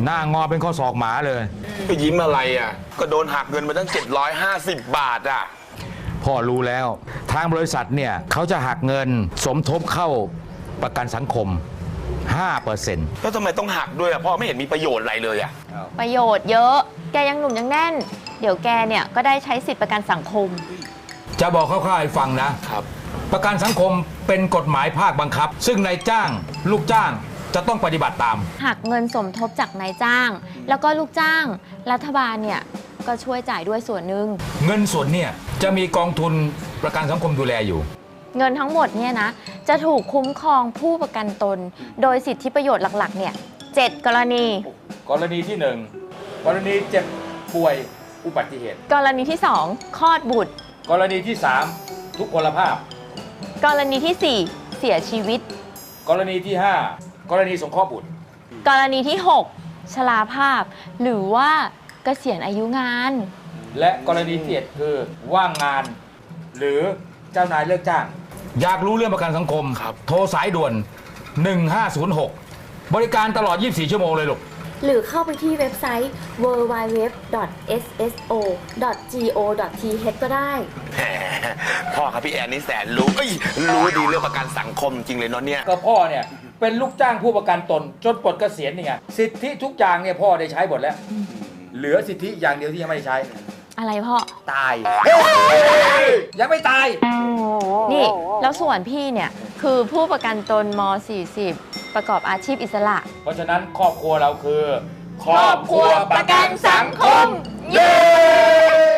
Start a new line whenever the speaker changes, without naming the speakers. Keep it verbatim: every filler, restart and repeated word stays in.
หน้างอเป็นข้อศอกหมาเลย
ไปยิ้มอะไรอ่ะก็โดนหักเงินมาตั้งเจ็ดร้อยห้าสิบบาทอ่ะ
พ่อรู้แล้วทางบริษัทเนี่ยเขาจะหักเงินสมทบเข้าประกันสังคม ห้าเปอร์เซ็นต์
แล้วทำไมต้องหักด้วยอ่ะพ่อไม่เห็นมีประโยชน์อะไรเลยอ่ะ
ประโยชน์เยอะแกยังหนุ่มยังแน่นเดี๋ยวแกเนี่ยก็ได้ใช้สิทธิประกันสังคม
จะบอกคร่าวๆให้ฟังนะครับประกันสังคมเป็นกฎหมายภาคบังคับซึ่งนายจ้างลูกจ้างจะต้องปฏิบัติตาม
หักเงินสมทบจากนายจ้างแล้วก็ลูกจ้างรัฐบาลเนี่ยก็ช่วยจ่ายด้วยส่วนหนึ่ง
เงินส่วนเนี่ยจะมีกองทุนประกันสังคมดูแลอยู่
เงินทั้งหมดเนี่ยนะจะถูกคุ้มครองผู้ประกันตนโดยสิทธิประโยชน์หลักๆเนี่ยเจ็ดกรณี
กรณีที่หนึ่งกรณีเจ็บป่วยอุบัติเหตุ
กรณีที่สองคลอดบุตร
กรณีที่สามทุกพลภาพ
กรณีที่สี่เสียชีวิต
กรณีที่ห้ากรณีสงเคราะห์บุตร
กรณีที่หกชราภาพหรือว่าเกษียณอายุงาน
และกรณีที่เจ็ดคือว่างงานหรือเจ้านายเลิกจ้างอยากรู้เรื่องประกันสังคมโทรสายด่วนหนึ่งห้าศูนย์หกบริการตลอดยี่สิบสี่ชั่วโมงเลยลูก
หรือเข้าไปที่เว็บไซต์ ดับเบิลยู ดับเบิลยู ดับเบิลยู ดอท เอส เอส โอ ดอท จี โอ ดอท ที เอช ก็ได้
แหมพ่อครับพี่แอนนี่แสนรู้รู้ดีเรื่องประกันสังคมจริงเลยเนาะเนี่ย
ก็พ่อเนี่ยเป็นลูกจ้างผู้ประกันตนจนปลดเกษียณนี่ไงสิทธิทุกอย่างเนี่ยพ่อได้ใช้หมดแล้วเหลือสิทธิอย่างเดียวที่ยังไม่ได้ใช้
อะไรพ่อ
ตายยังไม่ตาย
นี่แล้วส่วนพี่เนี่ยคือผู้ประกันตนม สี่สิบ ประกอบอาชีพอิสระ
เพราะฉะนั้นครอบครัวเราคือครอบครัวประกันสังคมเย้